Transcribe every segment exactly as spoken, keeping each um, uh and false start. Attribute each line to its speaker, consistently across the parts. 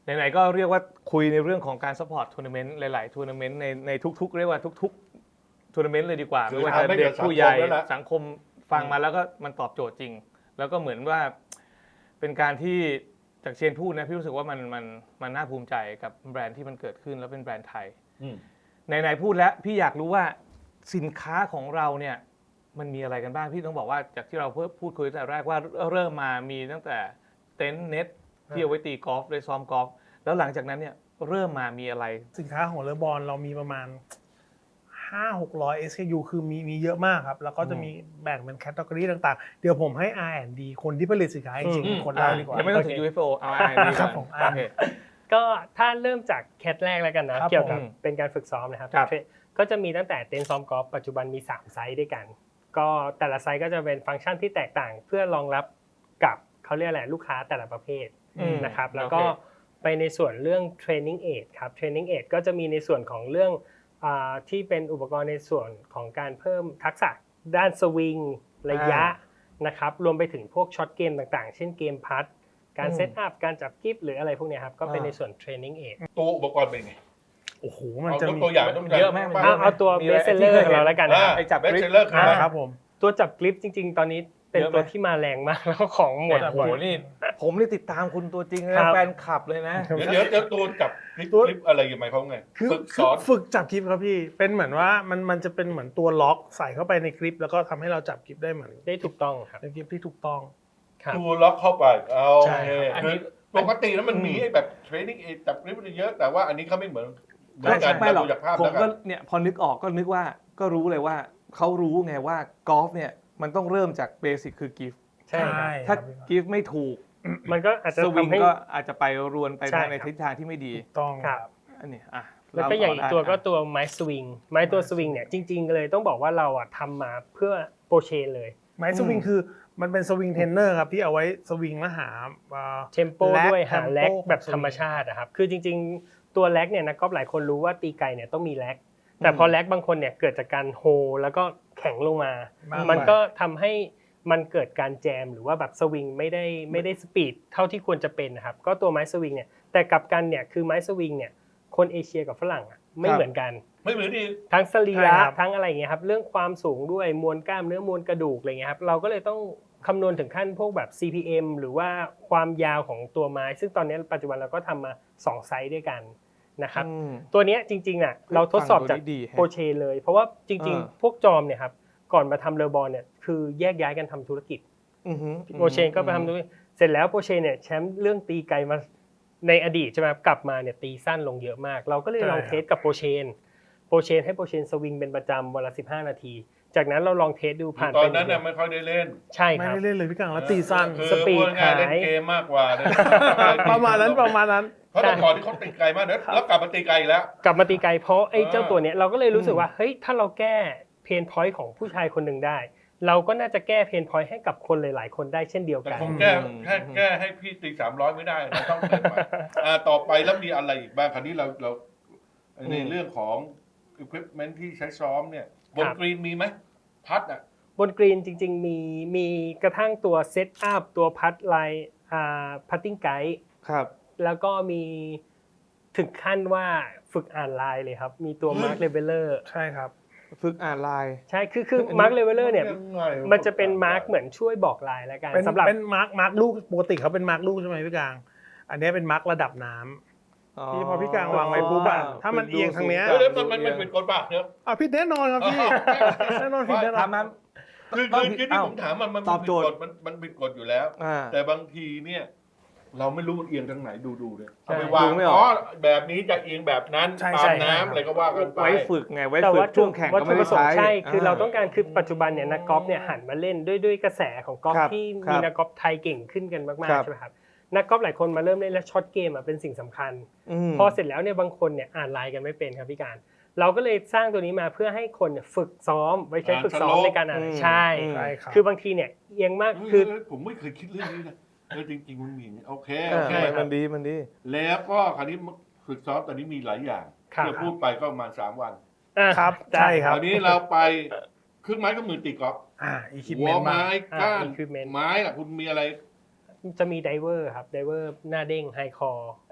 Speaker 1: ไหนๆก็เรียกว่าคุยในเรื่องของการซัพพอร์ตทัวร์นาเมนต์หลายๆทัวร์นาเมนต์ในในทุกๆเรียกว่าทุกๆทัวร์นาเมนต์เลยดีกว่าไม่ว่าจะเด็กผู้ใหญ่สังคมฟังมาแล้วก็มันตอบโจทย์จริงแล้วก็เหมือนว่าเป็นการที่จากเชนพูดนะพี่รู้สึกว่ามันมันมันน่าภูมิใจกับแบรนด์ที่มันเกิดขึ้นแล้วเป็นแบรนด์ไทยไหนๆพูดแล้วพี่อยากรู้ว่าสินค้าของเราเนี่ยมันมีอะไรกันบ้างพี่ต้องบอกว่าจากที่เราเพิ่งพูดคุยตั้งแต่แรกว่าเริ่มมามีตั้งแต่เต็นท์เน็ตที่เอาไว้ตีกอล์ฟได้ซ้อมกอล์ฟแล้วหลังจากนั้นเนี่ยเริ่มมามีอะไร
Speaker 2: สินค้าของเลอบอลเรามีประมาณ ห้าหกร้อย เอส เค ยู คือมีมีเยอะมากครับแล้วก็จะมีแบ่งเป็นแคตตากรีต่างๆเดี๋ยวผมให้ อาร์ แอนด์ ดี คนที่ผลิตสินค้าจริงๆคนเล่าดีกว่า
Speaker 1: ยังไม่ต้องถึง ยู เอฟ โอ เอา อาร์ แอนด์ ดี
Speaker 2: ครับผม
Speaker 3: ก็ถ้าเริ่มจากแคทแรกแล้วกันนะเกี่ยวกับเป็นการฝึกซ้อมนะครับก็จะมีตั้งแต่เต็นท์ซ้อมกอล์ฟปัจจุบันมีสามไซส์ด้วยกันก็แต่ละไซส์ก็จะเป็นฟังก์ชันที่แตกต่างเพื่อรองรับกับเขาเรียกอะไรลูกค้าแต่ละประเภทนะครับแล้วก็ไปในส่วนเรื่อง training aid ครับ training aid ก็จะมีในส่วนของเรื่องที่เป็นอุปกรณ์ในส่วนของการเพิ่มทักษะด้านสวิงระยะนะครับรวมไปถึงพวกช็อตเกมต่างๆเช่นเกมพัดการเซตอัพการจับกิฟต์หรืออะไรพวกนี้ครับก็เป็นในส่วน training aid
Speaker 4: ตัวอุปกรณ์เป็นไง
Speaker 2: โอ้โหมันจะมี
Speaker 4: ตัวอย่างต้อง
Speaker 1: เยอะมาก
Speaker 3: เอาตัวเบสเซลเลอร์ของเราแล้วกันนะครับ
Speaker 4: ไอ้จับเบสเซลเลอร์
Speaker 2: ครับผม
Speaker 3: ตัวจับกริปจริงๆตอนนี้เป็นตัวที่มาแรงมากแล้วของหมด
Speaker 1: โอ้โหนี่ผมนี่ติดตามคุณตัวจริงนะแฟนคลับเลยนะ
Speaker 4: เดี๋ยวเดี๋ยวตัวจับคลิปคลิปอะไรยังไงเขาไง
Speaker 2: ฝึกสอนฝึกจับคลิปครับพี่เป็นเหมือนว่ามันมันจะเป็นเหมือนตัวล็อกใส่เข้าไปในคลิปแล้วก็ทำให้เราจับคลิปได้เหมือน
Speaker 3: ได้ถูกต้องครับ
Speaker 2: เป็นคลิปที่ถูกต้อง
Speaker 4: ตัวล็อกเข้าไปเอา
Speaker 2: ใช่
Speaker 4: อันนี้ปกติแล้วมันมีแบบเทรนนิ่งจับคลิปเยอะแต่ว่าอันนี้เขาไม่เหมือน
Speaker 1: ไม่ใช่ไม่หรอกผมก็เนี่ยพอนึกออกก็นึกว่าก็รู้เลยว่าเขารู้ไงว่ากอล์ฟเนี่ยมันต้องเริ่มจากเบสิกคือกิฟต์
Speaker 3: ใช่
Speaker 1: ถ้ากิฟต์ไม่ถูก
Speaker 3: มันก็อาจจะ
Speaker 1: สวิงก็อาจจะไปรวนไปในทิศทางที่ไม่ดี
Speaker 2: ต้อง
Speaker 3: ครับ
Speaker 1: อันนี้อ่ะ
Speaker 3: แล้วก็อย่างอีกตัวก็ตัวไม้สวิงไม้ตัวสวิงเนี่ยจริงๆเลยต้องบอกว่าเราอ่ะทำมาเพื่อโปรเชนเลย
Speaker 2: ไม้สวิงคือมันเป็นสวิงเทรนเนอร์ครับที่เอาไว้สวิงแล้วหา
Speaker 3: เทมโปด้วยหาแล็กแบบธรรมชาตินะครับคือจริงๆตัวแล็กเนี่ยนักกอล์ฟหลายคนรู้ว่าตีไกลเนี่ยต้องมีแล็กแต่พอแล็กบางคนเนี่ยเกิดจากการโฮแล้วก็แข็งลงมามันก็ทำให้มันเกิดการแจมหรือว่าแบบสวิงไม่ได้ไม่ได้สปีดเท่าที่ควรจะเป็นนะครับก็ตัวไม้สวิงเนี่ยแต่กลับกันเนี่ยคือไม้สวิงเนี่ยคนเอเชียกับฝรั่งอ่ะไม่เหมือนกัน
Speaker 4: ไม่เหมือนดี
Speaker 3: ทั้งสรีระทั้งอะไรอย่างเงี้ยครับเรื่องความสูงด้วยมวลกล้ามเนื้อมวลกระดูกอะไรเงี้ยครับเราก็เลยต้องคำนวณถึงขั้นพวกแบบ ซี พี เอ็ม หรือว่าความยาวของตัวไม้ซึ่งตอนนี้ปัจจุบันเราก็ทำมาสองไซส์ด้วยกันนะครับตัวนี้จริงๆน่ะเราทดสอบจากโปรเชเลยเพราะว่าจริงๆพวกจอมเนี่ยครับก่อนมาทำเลอบอลเนี่ยคือแยกย้ายกันทำธุรกิจโปรเชก็ไปทำธุรกิจเสร็จแล้วโปรเชเนี่ยแชมป์เรื่องตีไกลมาในอดีตใช่ไหมกลับมาเนี่ยตีสั้นลงเยอะมากเราก็เลยลองเทสกับโปรเชนโปรเชนให้โปรเชนสวิงเป็นประจำวันละสิบห้านาทีจากนั้นเราลองเทสดูผ่าน
Speaker 4: ตอนนั้นน่ะไม่ค่อยได้เล่น
Speaker 3: ใช่
Speaker 2: ครับไม่ได้เล่นเลยพี่กังแล้วตีสั้น
Speaker 3: สปีดหาย
Speaker 4: เล่นเกมมากกว่า
Speaker 2: ประมาณนั้นประมาณนั้น
Speaker 4: เพราะแต่ก่อนที่เขาตีไกลมากนะแล้วกลับมาตีไกลอีกแล้ว
Speaker 3: กลับมาตีไกลเพราะไอ้เจ้าตัวเนี้ยเราก็เลยรู้สึกว่าเฮ้ยถ้าเราแก้เพนพอยต์ของผู้ชายคนหนึ่งได้เราก็น่าจะแก้เพนพอยต์ให้กับคนหลายๆคนได้เช่นเดียวกัน
Speaker 4: ผมแก้แค่แก้ให้พี่ตีสามร้อยไม่ได้เราต้องเติมไปอ่าต่อไปแล้วมีอะไรอีกบ้างคราวนี้เราเราในเรื่องของอุปกรณ์ที่ใช้ซ้อมเนี่ยบนกรีนมีไหมพัดอ่ะ
Speaker 3: บนกรีนจริงๆมีมีกระทั่งตัวเซตอัพตัวพัดไลน์อ่าพัตติ้งไกด์
Speaker 1: ครับ
Speaker 3: แล้วก็มีถึงขั้นว่าฝึกอ่านไลน์เลยครับมีตัวมาร์คเลเวลเลอร์
Speaker 2: ใช่ครับ
Speaker 1: ฝึกอ่านไลน์
Speaker 3: ใช่คือคือมาร์คเลเวลเลอร์เนี่ยมันจะเป็นมาร์คเหมือนช่วยบอกไลน์แล้วกัน
Speaker 2: สำหรับเป็นมาร์คมาร์คลูกปกติเขาเป็นมาร์คลูกใช่ไหมพี่กลางอันนี้เป็นมาร์คระดับน้ำที่พอพี่กลางวางไว้ปุ๊บอะถ้ามันเอียงทางเนี้ย
Speaker 4: แล้วมันมันมันเป็นกฎบ้าเนอะ
Speaker 2: อ่ะพี่แน่นอนครับพี่แน่นอนพี่แน่นอน
Speaker 4: คือคือคือที่ผมถามมันมันเป็นกฎมันมันเป็นกฎอยู่แล้วแต่บางทีเนี่ยเราไม่รู้เอียงทางไหนดูดูเลยเอาไปวางอ๋อแบบนี้จะเอียงแบบนั้นตามน้ำอะไรก็ว่ากันไป
Speaker 1: ไว้ฝึกไงไว้ฝึกช่วงแข่งก็ไม่ได้ใช้
Speaker 3: ใช่คือเราต้องการคือปัจจุบันเนี่ยนักกอล์ฟเนี่ยหันมาเล่นด้วยด้วยกระแสของกอล์ฟที่มีนักกอล์ฟไทยเก่งขึ้นกันมากๆใช่ไหมครับนักกอล์ฟหลายคนมาเริ่มเล่นแล้วช็อตเกมอ่ะเป็นสิ่งสำคัญพอเสร็จแล้วเนี่ยบางคนเนี่ยอ่านไลน์กันไม่เป็นครับพี่การเราก็เลยสร้างตัวนี้มาเพื่อให้คนฝึกซ้อมไว้ใช้ฝึกซ้อมในการอ่านใช่คือบางทีเนี่ยเอียงมากคือ
Speaker 4: ผมไม่เคยคิดเรื่องนี้นะเออจริงๆมันมีโอเค
Speaker 1: โอเคมันดีมันดี
Speaker 4: แล้วก็คราวนี้ฝึกซ้อมตอนนี้มีหลายอย่างที่พูดไปก็ประมาณสามวัน
Speaker 2: ครับใช่ครับ
Speaker 4: คราวนี้เราไปเครื่องไม้ก็มือตีกอล์ฟ
Speaker 2: อ่าอีคิป
Speaker 4: เมนต์ไม้ก้านไม้ล่ะคุณมีอะไร
Speaker 3: จะมีไดเวอร์ครับไดเวอร์หน้าเด้งไฮคอร์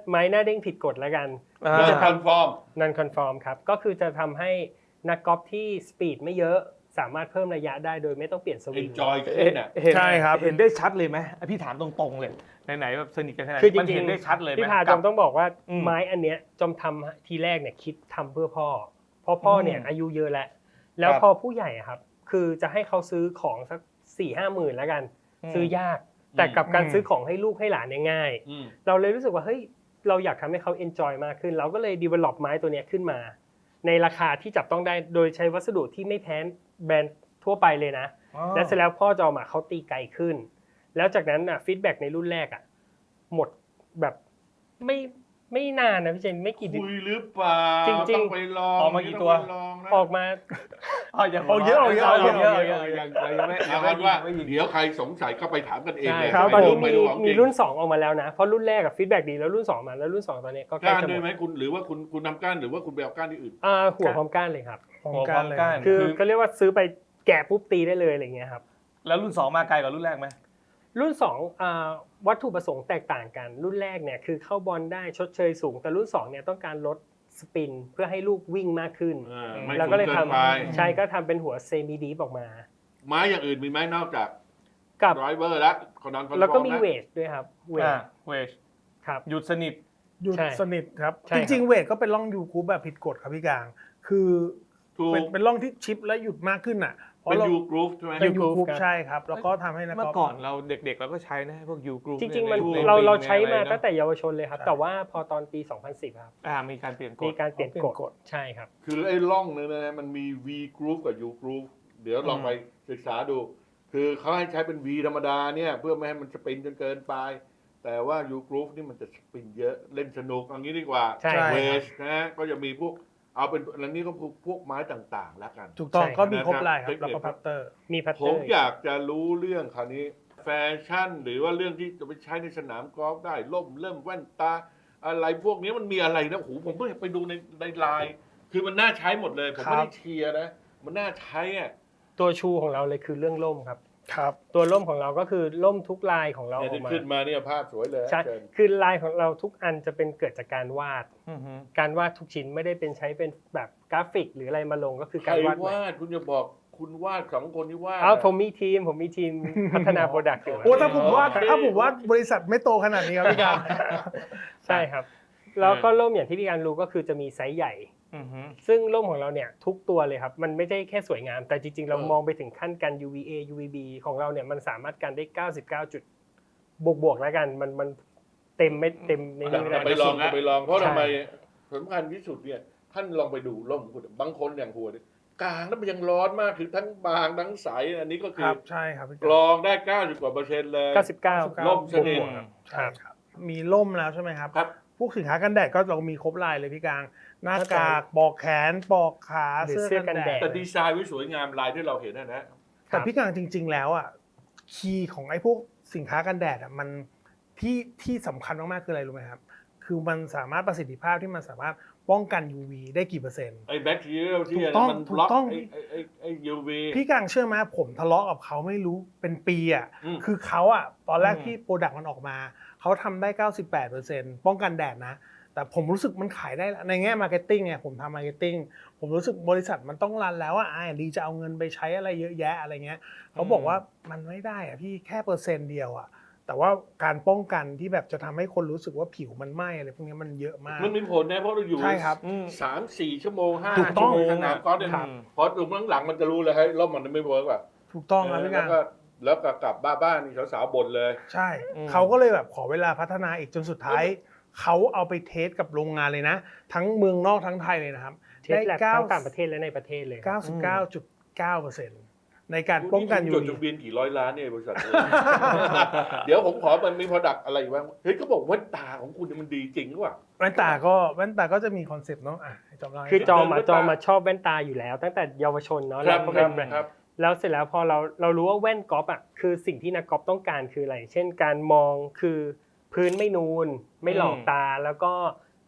Speaker 3: ไม้หน้าเด้งผิดกฎแล้วกัน
Speaker 1: อ่า
Speaker 3: ที่จะ
Speaker 4: คอนฟอร์ม
Speaker 3: non conform ครับก็คือจะทำให้นักกอล์ฟที่สปีดไม่เยอะสามารถเพิ่มระยะได้โดยไม่ต้องเปลี่ยนสวิง
Speaker 4: enjoy
Speaker 1: เอ๊ะ
Speaker 4: ขึ้นอ่ะ
Speaker 1: เห็น
Speaker 2: ใช่ครับ
Speaker 1: เห็นได้ชัดเลยไหมพี่ถามตรงๆเลยไหนๆแบบสนิทกันขนาด
Speaker 3: คือ
Speaker 1: นี้
Speaker 3: จ
Speaker 1: มัน
Speaker 3: ริง
Speaker 1: เห็นได้ชัดเลยไหม
Speaker 3: ๆพี่พาจ
Speaker 1: กั
Speaker 3: อบ มต้องบอกว่า
Speaker 1: อืม
Speaker 3: ไม้อันเนี้ยจอมทำทีแรกเนี่ยคิดทำเพื่อพ่อเพราะพ่อเนี่ย
Speaker 1: อืม
Speaker 3: อายุเยอะแล้วแล้ว
Speaker 4: ครับ
Speaker 3: พอผู้ใหญ่อะครับคือจะให้เขาซื้อของสักสี่ห้าหมื่นแล้วกัน ซื้อยาก แต่กับการ
Speaker 2: อืม
Speaker 3: ซื้อของให้ลูกให้หลานเนี่ยง่าย
Speaker 4: อืม
Speaker 3: เราเลยรู้สึกว่าเฮ้ยเราอยากทำให้เขา enjoy มากขึ้น เราก็เลย develop ไม้ตัวเนี้ยขึ้นมา ในราคาที่จับต้องได้โดยใช้วัสดุที่ไม่แพ้แบรนด์ทั่วไปเลยนะ
Speaker 1: อ๋อ
Speaker 3: แล้วเสร็จแล้วพ่อจอมอ่ะเขาตีไกลขึ้น แล้วจากนั้นอ่ะฟีดแบ็กในรุ่นแรกอ่ะหมดแบบไม่ไม่นานนะพี่เจนไม่กี่เดือน
Speaker 4: คุยหรือเปล่า
Speaker 3: จริงๆ
Speaker 4: ต้องไปลอง
Speaker 1: ออกมากี่ตัว
Speaker 4: ต้องไปลองนะ
Speaker 3: ออกมา
Speaker 1: อ๋อยัง
Speaker 2: เอาเยอะเอาเยอะ
Speaker 1: เอา
Speaker 2: เอา
Speaker 1: เย
Speaker 2: เย
Speaker 1: อะ
Speaker 2: อะ
Speaker 1: เอาเยอะเอาเยอะยังยังไม่
Speaker 4: เอาเป็นว่า
Speaker 1: ไม่ยิง
Speaker 4: เดี๋ยวใครสงสัยก็ไปถามกันเอง
Speaker 3: ใช่
Speaker 4: เลย
Speaker 3: ครับ
Speaker 2: ตอนนี้
Speaker 3: มี
Speaker 4: ไม่รู้ของจ
Speaker 3: มี
Speaker 4: ริง
Speaker 3: รุ่นสองออกมาแล้วนะ เพราะรุ่นแรกอะฟีดแบ็กดีแล้วรุ่นสองมาแล้วรุ่นสองตอนนี้ก็ใกล้
Speaker 4: ก้าน
Speaker 3: จะห
Speaker 4: ด้วย
Speaker 3: ม
Speaker 4: ไหม
Speaker 3: ด
Speaker 4: คุณหรือว่าคุณคุณทำก้านหรือว่าคุณไปเอาก้านที่อื่น
Speaker 3: อ่าหัวพร้อมก้านเลยครับ
Speaker 2: ของ
Speaker 1: หัวพ
Speaker 2: กา
Speaker 1: ร้อ
Speaker 2: ร
Speaker 1: ม
Speaker 2: เลย
Speaker 1: ก้าน
Speaker 3: คือ
Speaker 1: คือ
Speaker 3: ก็เรียกว่าซื้อไปแกะปุ๊บตีได้เลยอะไรเงี้ยครับ
Speaker 1: แล้วรุ่นสองมาไกลกว่ารุ่นแรกไหม
Speaker 3: รุ่นสองอ่าวัตถุประสงค์แตกต่างกัน รุ่นแรกเนี่ยคือเข้าบอลได้ชดเชยสูง แต่รุ่นสองเนี่ยต้องการลดสปินเพื่อให้ลูกวิ่งมากขึ้น
Speaker 4: อ่าไม่
Speaker 3: แล้วก็เลย
Speaker 4: สูง
Speaker 3: ท
Speaker 4: เกินไป
Speaker 3: ำใช่ก็ทำเป็นหัวเซมิดีฟออกมา
Speaker 4: ไม้อย่างอื่นมีไหมนอกจาก
Speaker 3: กับ
Speaker 4: ไดรเวอร์และคอนดอนคอนฟอร์ม
Speaker 3: แล้วก็มี
Speaker 4: นะ
Speaker 3: เวทด้วยครับเวท
Speaker 1: อ่าเวช
Speaker 3: ครับ
Speaker 1: หยุดสนิท
Speaker 2: หยุด
Speaker 3: ใช่
Speaker 2: สนิทครับ
Speaker 3: ใช่
Speaker 2: จ
Speaker 3: ครับ
Speaker 2: ริงๆเวทก็เป็นร่องยูคูปแบบผิดกฎครับพี่กลาง คือ
Speaker 4: ถูก
Speaker 2: เป็นเป็นร่องที่ชิปและหยุดมากขึ้นอ่ะเพราะ
Speaker 4: เป็น
Speaker 2: เรา
Speaker 4: ยูกรูฟใช่ไหม
Speaker 2: เป็นยู
Speaker 3: U-groove
Speaker 2: คูป
Speaker 3: ครับ
Speaker 2: ใช่ครับ แล้วก็ทำให้นัก
Speaker 1: เมื่
Speaker 2: ก
Speaker 1: อ
Speaker 2: อล์ฟ
Speaker 1: ก่อนเราเด็กๆเราก็ใช้นะพวกยูกรุ๊ป
Speaker 3: จริงๆมัน
Speaker 4: ใน
Speaker 3: เราเรา
Speaker 1: ใน
Speaker 3: ใช้มา
Speaker 1: อะไรนะ
Speaker 3: ตั้งแต่เยาวชนเลยครับ
Speaker 2: ใช่
Speaker 3: แต่ว่าพอตอนปี สองพันสิบ ครับ
Speaker 1: อ่ามีการเปลี่ยนก
Speaker 3: มี
Speaker 1: ฎ
Speaker 3: การเปลี่ยน
Speaker 2: เปลี่ยน
Speaker 3: ก
Speaker 2: ก
Speaker 3: ฎ
Speaker 2: ฎ
Speaker 3: ใช่ครับ
Speaker 4: คือไอ้ร่องเนี่ยนะมันมี V groove กับ U groove เดี๋ยวลองไปศึกษาดู คือเขาให้ใช้เป็น V ธรรมดาเนี่ยเพื่อไม่ให้มันสปินจนเกินไป แต่ว่า U groove นี่มันจะสปินเยอะเล่นสนุกเอย่างนี้ดีกว่า
Speaker 3: ใช่
Speaker 4: เวสนะก็จะมีพวกเอาเป็นอันนี้ก็พวกพวกไม้ต่างๆ แล้วกัน
Speaker 2: ถูกต้อง
Speaker 3: ใช่
Speaker 2: ก็มีครบลายค
Speaker 4: เท
Speaker 2: รับ
Speaker 4: คนิค
Speaker 2: แล้วก็พัตเตอร์
Speaker 3: มีพัต
Speaker 4: ผ
Speaker 3: เตอ
Speaker 4: ม
Speaker 3: ร์
Speaker 4: อยากจะรู้เรื่องคราวนี้แฟชั่นหรือว่าเรื่องที่จะไปใช้ในสนามกอล์ฟได้ล่มเริ่มแว่นตา อะไรพวกนี้มันมีอะไรนะโอ้โหผมเพิ่งไปดูในในไลน์คือมันน่าใช้หมดเลย ผมไม่ได้เชียร์นะ มันน่าใช้อ่ะ
Speaker 3: ตัวชูของเราเลยคือเรื่องล่มครับ
Speaker 2: ครับ
Speaker 3: ตัวล่มของเราก็คือล่มทุกลายของเราอ
Speaker 4: เนี่ย
Speaker 3: อก
Speaker 4: ที่
Speaker 3: มา
Speaker 4: ขึ้นมาเนี่ยภาพสวยเลย
Speaker 3: ใช่
Speaker 4: เชิญ
Speaker 3: คือลายของเราทุกอันจะเป็นเกิดจากการวาด
Speaker 1: อือฮึ
Speaker 3: การวาดทุกชิ้นไม่ได้เป็นใช้เป็นแบบกราฟิก หรืออะไรมาลงก็คือ
Speaker 4: ใคร
Speaker 3: การวาด
Speaker 4: วาดคุณจะบอกคุณวาดสองคนที่วาด
Speaker 3: อ้าว
Speaker 4: อะ
Speaker 3: ผมมีทีมผมมีทีมพัฒนาโปรดักต์อยู่
Speaker 2: โอ้ถ้าผมว่า
Speaker 4: โอเค
Speaker 2: ถ้าผมว่าบริษัทไม่โตขนาดนี้ครับพี่การ
Speaker 3: ใช่ครับ แล้วก็ร่มอย่างที่พี่การรู้ก็คือจะมีไซส์ใหญ่
Speaker 1: อือฮึ
Speaker 3: ซึ่งร่มของเราเนี่ยทุกตัวเลยครับ มันไม่ได้แค่สวยงาม แต่จริงๆ เรามองไปถึงขั้นกัน ยู วี เอ ยู วี บี ของเราเนี่ยมันสามารถกันได้ เก้าสิบเก้า จุดบวกๆแล้วกันมันมันเต็มไม่เต็มในนี้ไม่
Speaker 4: แต่
Speaker 3: ได้
Speaker 4: ไปลองก็ไปลองเพราะ
Speaker 3: ใช่
Speaker 4: ทำไมสำคัญที่สุดเนี่ยท่านลองไปดูร่มคุณบางคนอย่างหัวเนี่ยกลางแล้วมันยังร้อนมากคือทั้งบางทั้งใสอันนี้ก็คื
Speaker 2: ค
Speaker 4: อ
Speaker 2: รับใช่ครับพี่
Speaker 4: ก
Speaker 2: การ
Speaker 4: รองได้เก้าสิบกว่าเปอร์เซ็นต์เลย
Speaker 3: เก้าสิบเก้า
Speaker 4: ร่มสนิท
Speaker 3: บวกๆครับ
Speaker 2: ใช่ครับ มีร่มแล้วใช่ไหมครับ
Speaker 4: ครับ
Speaker 2: พวกสินค้ากันแดดก็เรามีครบลายเลยพี่กลาง หน้ากากปอกแขนปอกขา
Speaker 3: หรือ
Speaker 2: เสื้อ
Speaker 3: เสื้อกั
Speaker 2: กัน
Speaker 3: น
Speaker 2: แด
Speaker 3: แด
Speaker 2: ด
Speaker 3: ด
Speaker 4: แต่ดีไซน์ไว้สวยงามลายที่เราเห็นนะนะ
Speaker 2: แต่พี่กลางจริง ๆ แล้วอ่ะคีย์ของไอ้พวกสินค้ากันแดดอ่ะมันที่ที่สำคัญมากๆคืออะไรรู้ไหมครับ คือมันสามารถประสิทธิภาพที่มันสามารถป้องกัน ยู วี ได้กี่เปอร์เซ็นต์
Speaker 4: ไอ้แบคทีเรียที่
Speaker 2: ถูกต้อง
Speaker 4: มันบล็อก
Speaker 2: ถูกต้อง
Speaker 4: ไอ้ไอ้ไอ้ไอ้ยูวี
Speaker 2: พี่กลางเชื่อไหมผมทะเลาะกับเขาไม่รู้เป็นปีอ่ะ
Speaker 4: อืม
Speaker 2: คือเขาอ่ะตอนแรก
Speaker 1: อืม
Speaker 2: ที่โปรดักต์มันออกมา เขาทำได้ เก้าสิบแปดเปอร์เซ็นต์ ป้องกันแดดนะ แต่ผมรู้สึกมันขายได้แล้วในแง่มาร์เก็ตติ้งไงผมทำมาร์เก็ตติ้งผมรู้สึกบริษัทมันต้องรันแล้วอ่ะไอ้ดีจะเอาเงินไปใช้อะไรเยอะแยะอะไรเงี้ยเขาบอกว่ามันไม่ได้อ่ะพี่แค่เปอร์เซ็นต์เดียวอ่ะแต่ว่าการป้องกันที่แบบจะทำให้คนรู้สึกว่าผิวมันไหม้อะไรพวกนี้มันเยอะมาก
Speaker 4: มันมีผลนะเพราะเราอยู่
Speaker 2: ใช่ครับ
Speaker 1: อืม
Speaker 4: สามสี่ชั่วโมงห้า
Speaker 2: ถูกต้
Speaker 4: ชั่
Speaker 2: อง
Speaker 4: วโมงสนามกอล์ฟเนี่ย
Speaker 1: ครับ
Speaker 4: พอถึงหลังๆมันจะรู้เลยให้ยร่มมันไม่เวิร์กว่ะ
Speaker 2: ถูกต้องครับพี่
Speaker 4: แล้
Speaker 2: กาว ร
Speaker 4: ก็แล้วก็กลับบ้านบ้านนี่สาวๆบ่นเลย
Speaker 2: ใช่
Speaker 1: อืม
Speaker 2: เขาก็เลยแบบขอเวลาพัฒนาอีกจนสุดท้าย เขาเอาไปเทสกับโรงงานเลยนะ ทั้งเมืองนอกทั้งไทยเลยนะครับ
Speaker 3: เทสแลบทั้งต่างประเทศและในประเทศเลยครับ
Speaker 2: เก้าสิบเก้าจุดเก้าเปอร์เซ็นต์ ในการป้องกัน ยู
Speaker 4: จด
Speaker 2: วี
Speaker 4: ทะเบียนกี่ร้อยล้านเนี่ยบริษัทนี้ เดี๋ยวผมขอมันมี product อะไรอีกบ้างเฮ้ยเขาบอกแว่นตาของคุณเนี่ยมันดีจริงหรือเปล่า
Speaker 2: แว่นตาก็แว่นตาก็จะมีคอนเซปต์เนาะอ่ะให้จอมเล่าให้
Speaker 3: คือจอม
Speaker 4: แว่
Speaker 3: อะ
Speaker 4: นตา
Speaker 3: จอมมาชอบแว่นตาอยู่แล้ว ตั้งแต่เยาวชนเนาะ
Speaker 4: ค
Speaker 3: แล้
Speaker 4: รั
Speaker 3: ว
Speaker 4: บ
Speaker 3: ก็
Speaker 4: ค
Speaker 3: เป็
Speaker 4: รั
Speaker 3: น
Speaker 4: บ
Speaker 3: แบรนด์
Speaker 4: ครับ
Speaker 3: แล้วเสร็จแล้วพอเราเรารู้ว่าแว่นกอล์ฟอ่ะคือสิ่งที่นักกอล์ฟต้องการคืออะไร เช่นการมองคือพื้นไม่นูน ไม่หลอกตาแล้วก็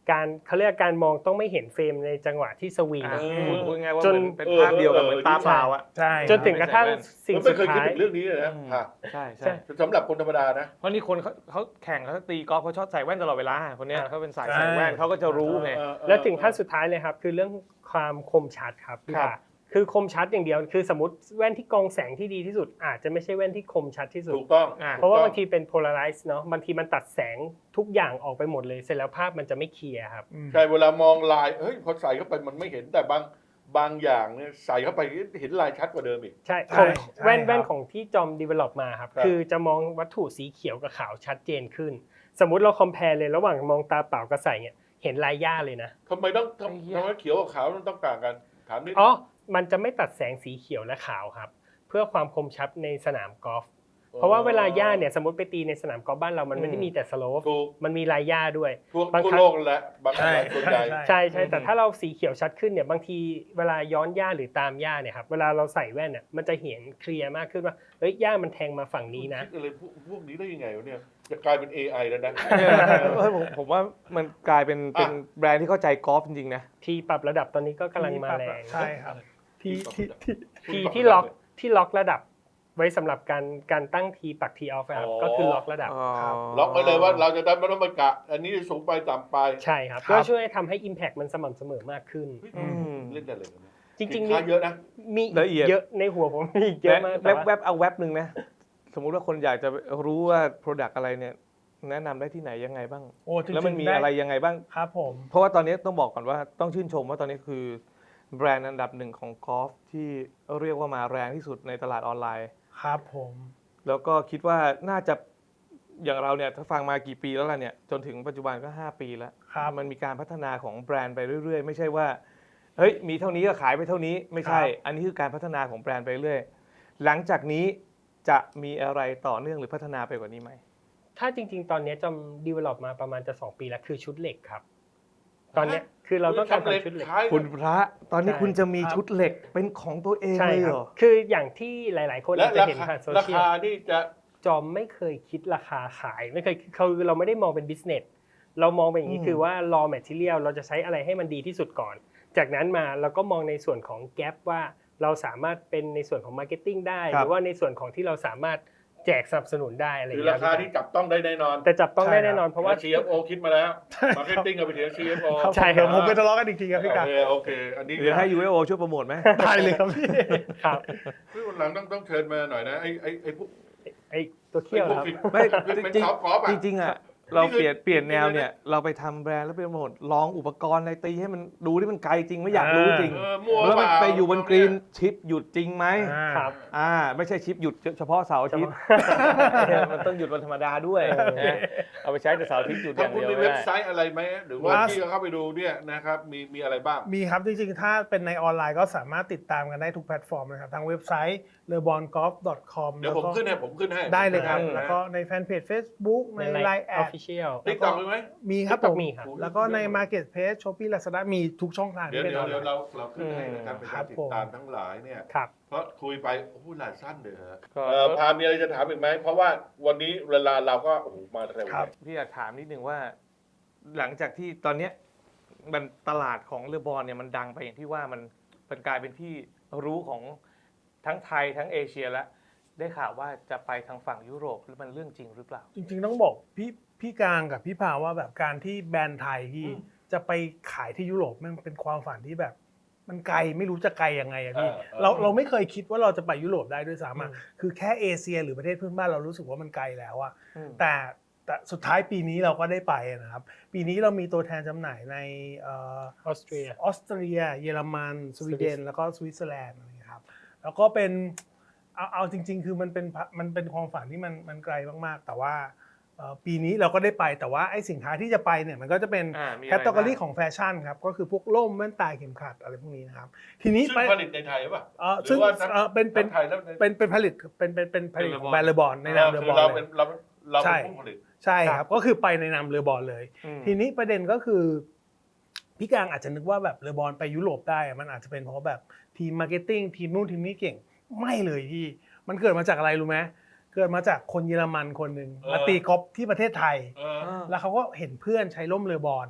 Speaker 3: การเขาเรียกการมองต้องไม่เห็นเฟรมในจังหวะที่สวิง
Speaker 1: อ่ะ
Speaker 4: เออ
Speaker 1: พูดพูดง่ายๆว่า
Speaker 3: จน
Speaker 1: เหมือนเป็นภาพเดียวกับเหมือนตาเปล่าอ่ะ
Speaker 2: ใช่
Speaker 3: จนถึงกระทั่งสิ่ง
Speaker 4: มัน
Speaker 3: สุ
Speaker 4: ไม่
Speaker 3: ด
Speaker 4: เคยคิด
Speaker 3: ท้าย
Speaker 4: ถึงเรื่องนี้เลยนะ
Speaker 1: อืม
Speaker 4: ค่ะ
Speaker 1: ใช่
Speaker 3: ใช่
Speaker 1: ใช่
Speaker 4: สำหรับคนธรรมดานะ
Speaker 1: เพราะนี่คนเขาเขาแข่งเขาตีกอล์ฟเขาชอบใส่แว่นตลอดเวลาคนเนี้ย
Speaker 3: อ่ะ
Speaker 1: เขาเป็นสายใส่แว่นเขาก็จะรู้ไง
Speaker 4: เออเออ
Speaker 3: แล้วถึงขั้นสุดท้ายเลยครับคือเรื่องความคมชัดครับพี่
Speaker 1: ครับ
Speaker 3: ป่าคือคมชัดอย่างเดียวคือสมมติแว่นที่กรองแสงที่ดีที่สุด อาจจะไม่ใช่แว่นที่คมชัดที่สุด
Speaker 4: ถูกต้อง
Speaker 1: อ่ะ
Speaker 3: เพราะว่าบางทีเป็น polarize เนาะบางทีมันตัดแสงทุกอย่างออกไปหมดเลยเสร็จแล้วภาพมันจะไม่เคลียร์ครับ
Speaker 4: ใช่เวลามองลายเฮ้ยพอใส่เข้าไปมันไม่เห็นแต่บางบางอย่างเนี่ยใส่เข้าไปเห็นลายชัดกว่าเดิมอีก
Speaker 3: ใช่
Speaker 2: ใช่
Speaker 3: ของ
Speaker 2: ใช่
Speaker 3: แว่น
Speaker 2: ครับ
Speaker 3: แว่นของที่จอม develop มาครับ
Speaker 4: ครับ
Speaker 3: คือจะมองวัตถุสีเขียวกับขาวชัดเจนขึ้น สมมุติเรา compare เลยระหว่างมองตาเปล่ากับใส่เนี่ยเห็นลายหญ้าเลยนะ
Speaker 4: ทำไมต้อง
Speaker 1: ไอ้เหี้ย
Speaker 4: ทำไมเขียวกับขาวมันต้องต่างกันถามนิด
Speaker 3: อ๋อมันจะไม่ตัดแสงสีเขียวและขาวครับ เพื่อความคมชัดในสนามกอล์ฟเพราะว่าเวลาหญ้าเนี่ยสมมติไปตีในสนามกอล์ฟบ้านเรามันไม่ได้มีแต่สโลป
Speaker 4: ถูก
Speaker 3: มันมีลายหญ้าด้วย
Speaker 4: ทั่ว
Speaker 3: บาง
Speaker 4: ทั่ว
Speaker 3: ครั้ง
Speaker 4: โลกนั่นแหละบาง
Speaker 2: ใช่
Speaker 4: หลายส่วนใหญ่
Speaker 2: ใช่
Speaker 3: ใช่ใช่แต่
Speaker 1: อืม
Speaker 3: ถ้าเราสีเขียวชัดขึ้นเนี่ยบางทีเวลาย้อนหญ้าหรือตามหญ้าเนี่ยครับเวลาเราใส่แว่นเนี่ยมันจะเห็นเคลียร์มากขึ้นว่าเฮ้ยหญ้ามันแทงมาฝั่งนี้นะ
Speaker 4: คิดอะไรพวกพวกนี้ได้ยังไงวะเนี่ยจะกลายเป็น เอ ไอ แล้วนะ
Speaker 1: เออผมผมว่ามันกลายเป็นเป็น
Speaker 4: อ่ะ
Speaker 1: แบรนด์ที่เข้าใจกอล์ฟจริงๆนะ
Speaker 3: ทีปรับระดับตอนนี้ก็กำลังมาแรง
Speaker 2: ใช่ครับที่ที่ที่
Speaker 3: ทีที่ล็อกที่ล็อกระดับไว้สำหรับการการตั้งทีปักทีออฟครับก็คือล็อกระดับ
Speaker 2: ครับ
Speaker 4: ล็อกไว้เลยว่าเราจะได้ไม่ต้องมากะ อันนี้สูงไปต่ำไป
Speaker 3: ใช่ครับ
Speaker 2: ครับ
Speaker 3: ก็ช่วยทำให้ Impact มันสม่ำเสมอมากขึ้น
Speaker 4: เฮ้ย
Speaker 1: อืม
Speaker 4: เล่นได้เลยนะ
Speaker 3: จริงๆ
Speaker 4: สิน
Speaker 3: มี
Speaker 4: ค้าเยอะนะ
Speaker 3: มี
Speaker 1: ละเอียด
Speaker 3: เยอะในหัวผมมีอีกเยอะมาก
Speaker 1: แว
Speaker 3: แต่
Speaker 1: บ
Speaker 3: ว่า
Speaker 1: แวบเอาแวบหนึ่งนะ สมมุติว่าคนอยากจะรู้ว่า Product อะไรเนี่ย แนะนำได้ที่ไหนยังไงบ้าง
Speaker 2: โอ้จริงๆ
Speaker 1: แล้วมันมี
Speaker 2: ด้
Speaker 1: อะไรยังไงบ้าง
Speaker 2: ครับผม
Speaker 1: เพราะว่าตอนนี้ต้องบอกก่อนว่าต้องชื่นชมว่าตอนนี้คือแบรนด์อันดับหนึ่งของกอล์ฟที่เรียกว่ามาแรงที่สุดในตลาดออนไลน์
Speaker 2: ครับผม
Speaker 1: แล้วก็คิดว่าน่าจะอย่างเราเนี่ยถ้าฟังมากี่ปีแล้วล่ะเนี่ยจนถึงปัจจุบันก็ห้าปีแล้ว
Speaker 2: ครับ
Speaker 1: มันมีการพัฒนาของแบรนด์ไปเรื่อยๆ ไม่ใช่ว่าเฮ้ยมีเท่านี้ก็ขายไปเท่านี้ไม่ใช่
Speaker 2: ครับ
Speaker 1: อันนี้คือการพัฒนาของแบรนด์ไปเรื่อยหลังจากนี้จะมีอะไรต่อเนื่องหรือพัฒนาไปกว่านี้ไหม
Speaker 3: ถ้าจริง ๆ ตอนนี้จำ develop มาประมาณจะสองปีแล้วคือชุดเหล็กครับ ตอนเนี้ยคือเราต้องการทำชุดเหล็ก
Speaker 4: ขาย
Speaker 1: คุณพระตอนนี้
Speaker 3: ใช่
Speaker 1: คุณจะมี
Speaker 2: ครับ
Speaker 1: ชุดเหล็กเป็นของตัวเอง
Speaker 3: ใช่
Speaker 1: เลย
Speaker 3: ค
Speaker 1: เห
Speaker 3: รั
Speaker 1: ร
Speaker 3: บ
Speaker 1: อ
Speaker 3: คืออย่างที่หลายๆ คน
Speaker 4: และ
Speaker 3: อาจจะ
Speaker 4: รา
Speaker 3: เห็น
Speaker 4: คา
Speaker 3: ผ่านโซ
Speaker 4: รา
Speaker 3: เชียล
Speaker 4: คานี่จะ
Speaker 3: จอมไม่เคยคิดราคาขายไม่เคยคือเราไม่ได้มองเป็น business เรามองเป็นอย่างนี้
Speaker 1: อืม
Speaker 3: คือว่า raw material เราจะใช้อะไรให้มันดีที่สุดก่อน จากนั้นมาเราก็มองในส่วนของ gap ว่าเราสามารถเป็นในส่วนของ marketing ได้ หรือว่าในส่วนของที่เราสามารถแจกสนับสนุนได้อะไรอ
Speaker 4: คื
Speaker 3: ย่าง
Speaker 4: อ
Speaker 3: เงี้
Speaker 4: ราย คาที่จับต้องได้แน่นอน
Speaker 3: แต่จับต้องได้
Speaker 2: ใช่ครับ
Speaker 3: แน่นอนเพราะว่า
Speaker 4: ซี เอฟ โอ คิดมาแล้ว มาร์เก็ตติ้งก็ไปถึง ซี เอฟ โอ
Speaker 2: ครับ
Speaker 3: ใช่ครับ
Speaker 2: เดี๋ยวผมไปทะเลาะกันอีกทีครับพี่กา
Speaker 4: โอเคโอเค อันนี้
Speaker 1: หรือให้ ยู เอฟ โอ ช่วยโปรโมทไหม
Speaker 2: ได้เลยครับพี่
Speaker 3: ครับ
Speaker 4: คือวันหลังต้องต้องเชิญมาหน่อยนะไอ้ไอ้ไอ้พวก
Speaker 3: ไอตัวเขี้ยว
Speaker 4: ไอ้พวก
Speaker 3: ครับ
Speaker 4: ฟิต
Speaker 1: ไม่
Speaker 4: เป็น
Speaker 1: จริง
Speaker 4: ท็อปกอล์ฟอ่ะ
Speaker 1: จริงๆอ่ะเราเปลี่ยนเปลี่ยนแนวเนี่ยเราไปทำแบรนด์แล้วไปโปรโมทลองอุปกรณ์อะไรตีให้มันดูที่มันไกลจริงไม่อยากรู้จริง
Speaker 4: เออมั่ว
Speaker 1: แล้วมัน
Speaker 4: เปล่า
Speaker 1: ไปอยู่บนกรีนชิปหยุดจริงไหม
Speaker 2: อ่า
Speaker 3: ครับ
Speaker 1: อ่าไม่ใช่ชิปหยุดเฉพาะเสาร์อาทิตย์ มันต้องหยุดวันธรรมดาด้วยนะเอาไปใช้แต่เสาร์อาทิตย์หยุดอ
Speaker 4: ถ้า
Speaker 1: ย่าง
Speaker 4: คุณ
Speaker 1: เดียว
Speaker 4: มี
Speaker 1: ไม่
Speaker 4: เว็บ
Speaker 1: ได้
Speaker 4: ไซต์อะไรไหมหรือว่า
Speaker 2: ว่า
Speaker 4: ที่เข้าไปดูเนี่ยนะครับมีมีอะไรบ้าง
Speaker 2: มีครับจริงๆ ถ้าเป็นในออนไลน์ก็สามารถติดตามกันได้ทุกแพลตฟอร์มนะครับทางเว็บไซต์ เลอบอนกอล์ฟ ดอท คอม
Speaker 4: เดี๋ยวผมขึ้นให้ผมขึ้นให้
Speaker 2: ได้เลยครับ
Speaker 1: อืม
Speaker 2: แล้วก็ในแฟนเพจ Facebook ใน
Speaker 3: ใน
Speaker 2: ไลน์แอด
Speaker 3: official
Speaker 4: ติ๊กต็อกมีไหม
Speaker 2: มีครับ
Speaker 3: TikTok
Speaker 2: ผม
Speaker 3: มีครับ
Speaker 2: แล้วก็ใน Marketplace Shopee Lazada มีทุกช่องทาง
Speaker 4: เดี๋ยว
Speaker 2: ที่เป็น
Speaker 4: เดี๋
Speaker 2: อ
Speaker 4: ยว
Speaker 2: อนไล
Speaker 4: เดี๋ยว
Speaker 2: น์
Speaker 4: เราเราขึ้นให้นะครับเป็น
Speaker 2: ครั
Speaker 4: การ
Speaker 2: บ
Speaker 4: ติด
Speaker 2: ผม
Speaker 4: ตามทั้งหลายเนี่ย
Speaker 3: ครับ
Speaker 4: เพราะคุยไปโอ้โหหลายสั้นเลยฮะ
Speaker 1: ก็
Speaker 4: เอ่อพามีอะไรจะถามอีกไหมเพราะว่าวันนี้เวลาเราก็โอ้โหมาเร็ว
Speaker 2: ครับ
Speaker 4: เลย
Speaker 1: พี่อยากถามนิดนึงว่า หลังจากที่ตอนเนี้ยมันตลาดของเรือบอลเนี่ยมันดังไปอย่างที่ว่ามันมันกลายเป็นที่รู้ของทั้งไทยทั้งเอเชียแล้วได้ข่าวว่าจะไปทางฝั่งยุโรปแล้วมันเรื่องจริงหรือเปล่า
Speaker 2: จริงๆต้องบอกพี่พี่กลางกับพี่พาว่าแบบการที่แบรนด์ไทยที่จะไปขายที่ยุโรปมันเป็นความฝันที่แบบ มันไกลไม่รู้จะไกลยังไงอะพี่
Speaker 4: เออเออ
Speaker 2: เราเราไม่เคยคิดว่าเราจะไปยุโรปได้ด้วยซ้ำอะ
Speaker 3: อืม
Speaker 2: คือแค่เอเชียหรือประเทศเพื่อนบ้านเรารู้สึกว่ามันไกลแล้วอะ
Speaker 1: อืม
Speaker 2: แต่แต่สุดท้ายปีนี้เราก็ได้ไปนะครับ ปีนี้เรามีตัวแทนจำหน่ายในเออ
Speaker 3: ออสเตรีย
Speaker 2: ออสเตรีย เยอรมัน สวีเดน
Speaker 3: สวิส
Speaker 2: แล้วก็สวิตเซอร์แลนด์อะไรอย่างเงี้ยครับ แล้วก็เป็นเอาเอาจริง ๆ คือมันเป็นมันเป็นความฝันที่มันมันไกลมากๆ แต่ว่าเอ่อปีนี้เราก็ได้ไปแต่ว่าไอ้สินค้าที่จะไปเนี่ยมันก็จะเป็น
Speaker 1: อ่ามีอะไร
Speaker 2: แคตตา o r รี
Speaker 1: บ้าง
Speaker 2: ของแฟชั่นครับ ก็คือพวกร่มแว่นตาเข็มขัดอะไรพวกนี้นะครับ ทีนี้
Speaker 4: ซึ่ง
Speaker 2: ไป
Speaker 4: ผลิตในไทยป่ะ
Speaker 2: เอ่อ
Speaker 4: หรื
Speaker 2: ซึ่ง
Speaker 4: ว่าทั้ง
Speaker 2: เอ่อเป็นเป็น
Speaker 4: ทั้งไทยแล้วใน
Speaker 2: เป็นเป็นผลิตเป็นเป็นเป็นผลิตของแบรนด์เลอบอนใน
Speaker 4: เอ
Speaker 2: นา
Speaker 4: อ
Speaker 2: มเลอ
Speaker 4: คื
Speaker 2: บ
Speaker 4: อ
Speaker 2: อน
Speaker 4: เรา
Speaker 2: เล
Speaker 4: เป็น
Speaker 2: ย
Speaker 4: เราเรา
Speaker 2: ใช่
Speaker 4: เป็นผู้ผลิต
Speaker 2: ใช่ครับก็คือไปในนามเลอบอนเลย
Speaker 1: อืม
Speaker 2: ทีนี้ประเด็นก็คือพี่กลางอาจจะนึกว่าแบบเลอบอนไปยุโรปได้อะมันอาจจะเป็นเพราะแบบทีมมาร์เก็ตติ้งทีมนู่นทีมนี้เก่งไม่เลยพี่มันเกิดมาจากอะไรรู้ไหมเกิดมาจากคนเยอรมันคนหนึ่ง
Speaker 4: เออ
Speaker 2: มาตีกอล์ฟที่ประเทศไทย
Speaker 4: เออ
Speaker 2: แล้วเขาก็เห็นเพื่อนใช้ร่มเลอบอน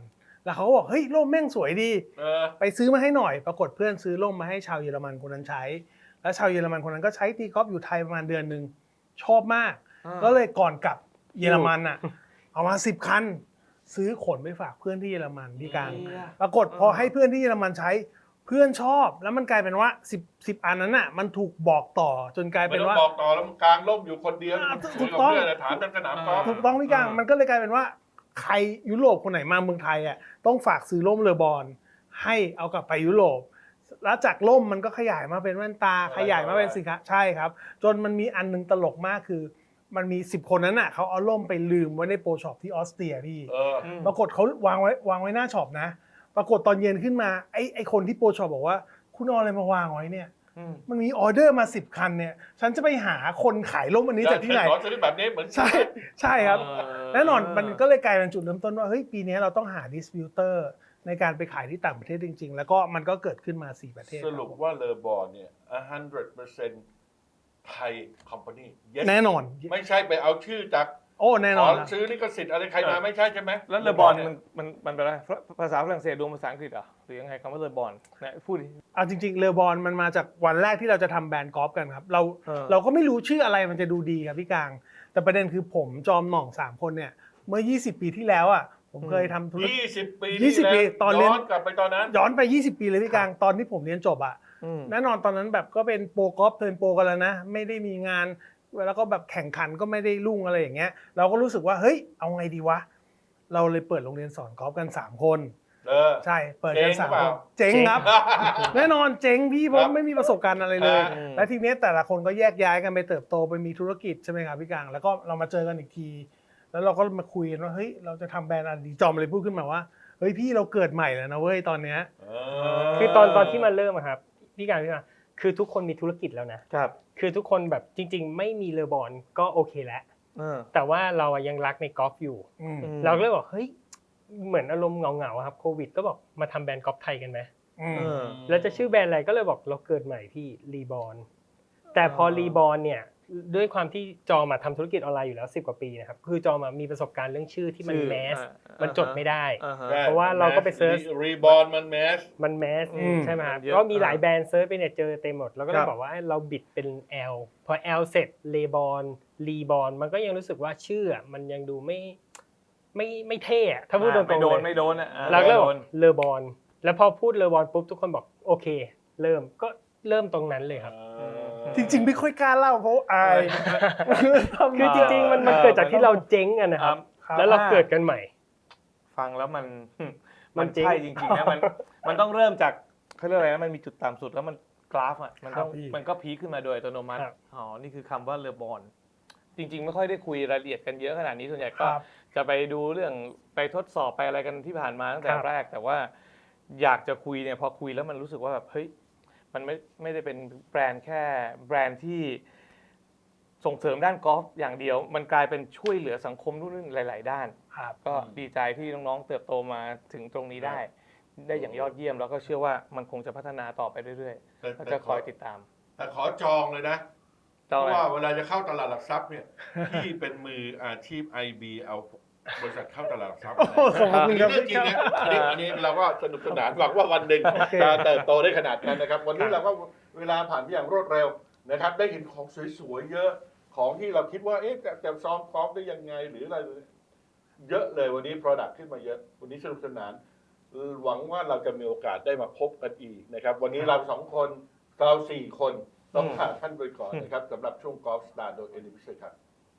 Speaker 2: แล้วเขาก็บอกเฮ้ยร่มแม่งสวยดี
Speaker 4: เออ
Speaker 2: ไปซื้อมาให้หน่อย ปรากฏเพื่อนซื้อร่มมาให้ชาวเยอรมันคนนั้นใช้ แล้วชาวเยอรมันคนนั้นก็ใช้ตีกอล์ฟอยู่ไทยประมาณเดือนหนึ่งชอบมาก
Speaker 1: อ่า
Speaker 2: ก็เลยก่อนกลับเยอรมันอ่ะ เอามาสิบคัน ซื้อขนไปฝากเพื่อนที่เยอรมันพี่กลางปรากฏพอให้เพื่อนที่เยอรมันใช้เพื่อนชอบ แล้วมันกลายเป็นว่าสิบ สิบอันนั้นน่ะมันถูกบอกต่อจนกลาย
Speaker 4: ไม่
Speaker 2: เป็น
Speaker 4: ต้อง
Speaker 2: ว่า
Speaker 4: บอกต่อแล้วมันกลางร่มอยู่คนเดียว
Speaker 2: อ่า
Speaker 4: คุยกับ
Speaker 2: ถูกต้อง
Speaker 4: เพื่อนถามกันสนามกอล์ฟ
Speaker 2: ถูกต้องพี่กลางมันก็เลยกลายเป็นว่าใครยุโรปคนไหนมาเมืองไทยอ่ะต้องฝากซื้อร่มเรือบอลให้เอากลับไปยุโรปแล้วจากร่มมันก็ขยายมาเป็นแว่นตาขยายมาเป็นสินค้าใช่ครับ จนมันมีอันนึงตลกมากคือ มันมีสิบคนนั้นน่ะเขาเอาร่มไปลืมไว้ในโปรช็อปที่ออสเตรียพี่
Speaker 4: เออ
Speaker 2: ปรากฏเขาวางไว้วางไว้หน้าช็อปนะ ปรากฏตอนเย็นขึ้นมาไอ้ไอ้คนที่โปรช็อปบอกว่าคุณเอาอะไรมาวางไว้เนี่ย
Speaker 1: อืม
Speaker 2: มันมีออเดอร์มาสิบคันเนี่ยฉันจะไปหาคนขายร่มอันนี้จากที่ไหน
Speaker 4: ขอซื้อแบบนี้เหมือน
Speaker 2: ใช่ใช่ครับ
Speaker 1: เออ
Speaker 2: แน่นอนมันก็เลยกลายเป็นจุดเริ่มต้นว่าเฮ้ยปีนี้เราต้องหาดิสติบิวเตอร์ในการไปขายที่ต่างประเทศจริง ๆ แล้วก็มันก็เกิดขึ้นมาสี่ประเทศ
Speaker 4: สรุปว่าเลอบอลเนี่ยone hundred percent ไทยคอมพานี
Speaker 2: แน่นอน
Speaker 4: ไม่ใช่ไปเอาชื่อจาก
Speaker 2: โอ้แน่
Speaker 4: ข
Speaker 2: นอ
Speaker 4: อน
Speaker 2: นะ
Speaker 4: ซื้อลิขสิทธิ์อะไรใครมาไม่ใช่ใช่ไหม
Speaker 1: แล้วเลอบอลมันมันมันเป็นอะไรภาษาฝรั่งเศสรวมภาษาอังกฤษเหรอหรือยังไงคำว่าเลอบอลเนี่ยพูดดิ
Speaker 2: เอาจริงๆเรือบอลมันมาจากวันแรกที่เราจะทำแบรนด์กอล์ฟกันครับเรา
Speaker 1: เออ
Speaker 2: เราก็ไม่รู้ชื่ออะไรมันจะดูดีครับพี่กลาง แต่ประเด็นคือผมจอมหน่องสามคนเนี่ยเมื่อยี่สิบปีที่แล้วอ่ะผมเคยทำธุรกิจ
Speaker 4: ยี่สิบปี
Speaker 2: ยี่สิบปีตอนเรียน
Speaker 4: ย้อนกลับไปตอนนั้น
Speaker 2: ย้อนไปยี่สิบปีเลยพี่กลางตอนที่ผมเรียนจบอ่ะ
Speaker 1: อืม
Speaker 2: แน่นอนตอนนั้นแบบก็เป็นโปรกอล์ฟเทิร์นโปรกันแล้วนะไม่ได้มีงานแล้วก็แบบแข่งขันก็ไม่ได้รุ่งอะไรอย่างเงี้ยเราก็รู้สึกว่าเฮ้ยเอาไงดีวะเราเลยเปิดโรงเรียนสอนกอล์ฟกันสามคน
Speaker 4: เออ
Speaker 2: ใช่เปิดกัน
Speaker 4: เจ๊ง
Speaker 2: สาม
Speaker 4: หรือเป
Speaker 2: ค
Speaker 4: ล่า
Speaker 2: นเจ๊งครับ แน่นอนเจ๊งพี่เพ
Speaker 4: ครั
Speaker 2: ราะ
Speaker 4: บ
Speaker 2: ไม่มีประสบการณ์อะไรเลย
Speaker 4: อ่า
Speaker 2: และทีเนี้ยแต่ละคนก็แยกย้ายกันไปเติบโตไปมีธุรกิจใช่ไหมครับพี่กลางแล้วก็เรามาเจอกันอีกที แล้วเราก็มาคุยกันว่าเฮ้ยเราจะทำแบรนด์อะไรดีจอมเลยพูดขึ้นมาว่าเฮ้ยพี่เราเกิดใหม่แล้วนะเว้ยตอนเนี้ย
Speaker 4: เอ
Speaker 3: คือตอนตอนที่มันเริ่มอะครับพี่การพี่มาคือทุกคนมีธุรกิจแล้วนะครับ คือทุกคนแบบจริง ๆ ไม่มีเรือบอลก็โอเคแล้ว
Speaker 1: เออ
Speaker 3: แต่ว่าเราอะยังรักในกอล์ฟอยู่
Speaker 2: อืม
Speaker 1: อืม
Speaker 3: เราก็เลยบอกเฮ้ยเหมือนอารมณ์เหงาๆอะครับโควิดก็บอกมาทำแบรนด์กอล์ฟไทยกันไหม
Speaker 2: อืม
Speaker 1: เออ
Speaker 3: แล้วจะชื่อแบรนด์อะไรก็เลยบอกเราเกิดใหม่พี่รีบอลแต่พอรีบอลเนี่ยด้วยความที่จอมาทำธุรกิจออนไลน์อยู่แล้วสิบกว่าปีนะครับคือจอมามีประสบการณ์เรื่องชื่อที่มัน
Speaker 1: ชื่อ
Speaker 3: แมส
Speaker 1: อ่า
Speaker 3: มันจดไม่ได้
Speaker 1: อ่าฮะ
Speaker 4: ใช่
Speaker 3: เพราะว่าเราก็ไปเซิร์ช
Speaker 4: รีบอลมันแมส
Speaker 3: มันแมส
Speaker 1: อืม
Speaker 3: ใช่ไหมครับ
Speaker 1: เยอะ
Speaker 3: ก็มีหลายแบรนด์เซิร์ชไปเนี่ยเจอเต็มหมดแล้วก็เล
Speaker 1: ครั
Speaker 3: ย
Speaker 1: บ
Speaker 3: บอกว่าเราบิดเป็น L พอ L เสร็จเลบอลรีบอลมันก็ยังรู้สึกว่าชื่ออะมันยังดูไม่ไม่ไม่เท่อะถ้าพูดตรงๆ
Speaker 1: ไม่โดน
Speaker 3: เลย
Speaker 1: ไม่โดนอ่ะอ่า
Speaker 3: เราก็เลยบ
Speaker 1: ไม่
Speaker 3: อก
Speaker 1: โดน
Speaker 3: เลอบอลแล้วพอพูดเลอบอลปุ๊บทุกคนบอกโอเค เริ่มก็เริ่มตรงนั้นเลยครับ
Speaker 2: จริงๆไม่ค่อยกล้าเล่าเพราะอาย
Speaker 3: คือจริงๆมันมันเกิดจากที่เราเจ๊งกันนะครับ
Speaker 2: ครับ
Speaker 3: แล้วเราเกิดกันใหม่
Speaker 1: ฟังแล้วมัน
Speaker 3: มั
Speaker 1: มัน
Speaker 3: นจริง
Speaker 1: ใช่จริงๆนะมันมันต้องเริ่มจากเขาเรียกอะไรนะมันมีจุดต่ำสุดแล้วมันกราฟอ่ะมันต้อง
Speaker 2: ครับพี่
Speaker 1: มันก็พีคขึ้นมาโดยอัตโนมัติ
Speaker 3: ครับ
Speaker 1: อ๋อนี่คือคำว่าเรือบอลจริง ๆ ไม่ค่อยได้คุยรายละเอียดกันเยอะขนาดนี้ส่วนใหญ่
Speaker 2: ค
Speaker 1: ก็
Speaker 2: รับ
Speaker 1: จะไปดูเรื่องไปทดสอบไปอะไรกันที่ผ่านมาตั้งแต่
Speaker 3: ครับ
Speaker 1: แรก แต่ว่าอยากจะคุยเนี่ยพอคุยแล้วมันรู้สึกว่าแบบเฮ้ยมันไม่ไม่ได้เป็นแบรนด์แค่แบรนด์ที่ส่งเสริมด้านกอล์ฟอย่างเดียว มันกลายเป็นช่วยเหลือสังคมรุ่นหลาย ๆ ด้าน
Speaker 2: ครับ
Speaker 1: ก็ดีใจที่น้องๆเติบโตมาถึงตรงนี้ได้ ได้อย่างยอดเยี่ยมแล้วก็เชื่อว่ามันคงจะพัฒนาต่อไปเรื่อยๆก็จะคอยติดตาม
Speaker 4: แต่ขอจองเลยนะ เพ
Speaker 1: เจ้า
Speaker 4: ราะ
Speaker 1: อะไร
Speaker 4: ว่าเวลาจะเข้าตลาดหลักทรัพย์เนี่ย พี่เป็นมืออาชีพ ไอ บี เอาบริษัทเข้าตลาดหลักทรัพย์
Speaker 2: โอ้โหขอบคุณ
Speaker 4: นี่
Speaker 2: ครับ
Speaker 4: เรื่องจริงนะอันนี้อันนี้เราก็สนุกสนานหวังว่าวันหนึ่ง
Speaker 2: โอเค
Speaker 4: จะเติบโตได้ขนาดนั้นนะครับ วันนี้เราก็เวลาผ่านไปอย่างรวดเร็วนะครับ ได้เห็นของสวยๆเยอะของที่เราคิดว่าเอ๊ะจะจะซ้อมกอล์ฟได้ยังไงหรืออะไรเยอะเลยวันนี้ Product ขึ้นมาเยอะ วันนี้สนุกสนาน หวังว่าเราจะมีโอกาสได้มาพบกันอีกนะครับ วันนี้เราสองคนเราสี่คนต้องลาท่านไปก่อนนะครับสำหรับช่วงกอล์ฟสตาร์โดยเอลิพิเศษครับ